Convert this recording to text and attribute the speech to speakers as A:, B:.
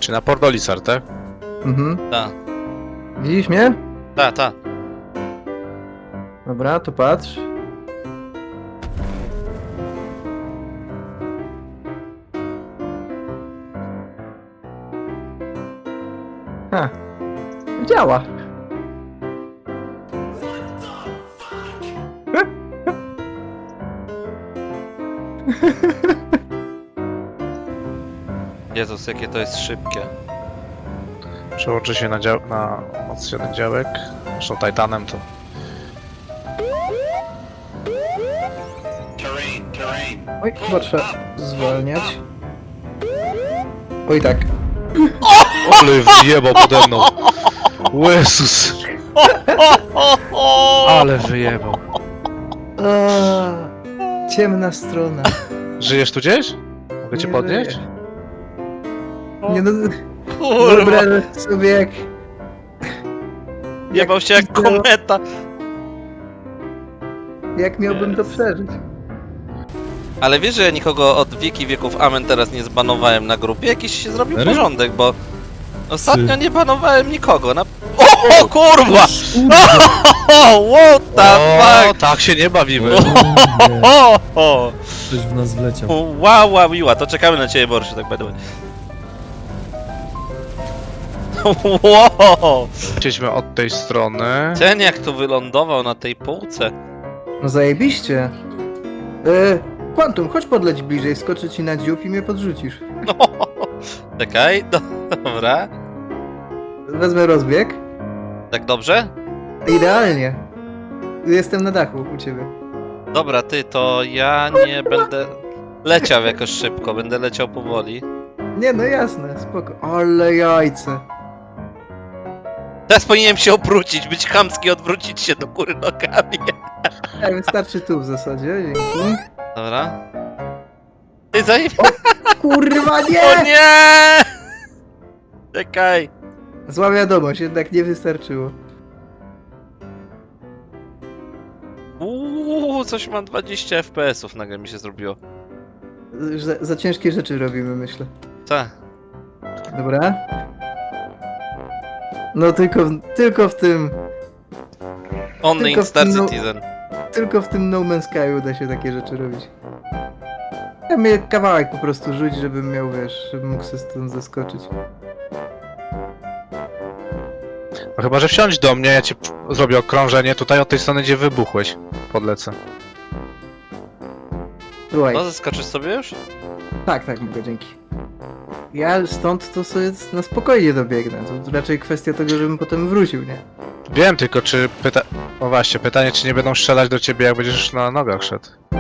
A: Czy na Pordolisar, tak?
B: Mhm.
C: Ta,
B: Widzisz mnie?
C: ta.
B: Dobra, to patrz. Ha. Działa.
C: Jezus, jakie to jest szybkie.
A: Przełączy się na moc 1 działek. Zresztą Titanem to...
B: Oj, chyba trzeba zwalniać. Oj tak.
A: Ale wyjebał pode mną! Jezus! Ale wyjebał.
B: Ciemna strona.
A: Żyjesz tu gdzieś? Mogę cię
B: Nie
A: podnieść?
B: żyję. Nie no,
C: Kurwa,
B: wyobrażasz sobie jak...
C: jebał się jak kometa.
B: Jak miałbym to przeżyć?
C: Ale wiesz, że ja nikogo od wieki wieków Amen teraz nie zbanowałem na grupie? Jakiś się zrobił
D: Serio?
C: porządek, bo ostatnio nie banowałem nikogo na... O kurwa! What the
A: O,
C: fuck!
A: tak się nie bawimy.
C: O,
D: Ktoś w nas wleciał.
C: wow, miła, to czekamy na ciebie, Borszu, tak będę. Wow!
A: Chcieliśmy od tej strony.
C: Ten jak tu wylądował na tej półce.
B: No zajebiście. Quantum, chodź podleć bliżej, skoczę ci na dziób i mnie podrzucisz.
C: Czekaj, dobra.
B: Wezmę rozbieg.
C: Tak dobrze?
B: Idealnie. Jestem na dachu u ciebie.
C: Dobra, ty, to ja nie będę leciał jakoś szybko, będę leciał powoli.
B: Nie no jasne, spoko. Ale jajce.
C: Teraz powinienem się obrócić, być chamski, odwrócić się do góry nogami.
B: Wystarczy tu w zasadzie, dzięki.
C: Dobra. Ty zajmij.
B: Kurwa
C: O
B: nie!
C: nie! Czekaj.
B: Zła wiadomość, jednak nie wystarczyło.
C: Coś mam 20 FPS-ów nagle mi się zrobiło.
B: Za ciężkie rzeczy robimy, myślę.
C: Tak.
B: Dobra. No tylko w tym
C: Only
B: Tylko
C: in Star
B: w- no-
C: Citizen.
B: Tylko w tym No Man's Sky uda się takie rzeczy robić. Ja mnie kawałek po prostu rzuć, żebym miał, wiesz, żebym mógł sobie stąd zaskoczyć.
A: No chyba, że wsiądź do mnie, ja ci zrobię okrążenie tutaj od tej strony, gdzie wybuchłeś. Podlecę.
B: Słuchaj,
C: No, zaskoczysz sobie już?
B: tak, mogę, dzięki. Ja stąd to sobie na spokojnie dobiegnę. To raczej kwestia tego, żebym potem wrócił, nie?
A: Wiem tylko, czy o właśnie, pytanie, czy nie będą strzelać do ciebie, jak będziesz na nogach szedł.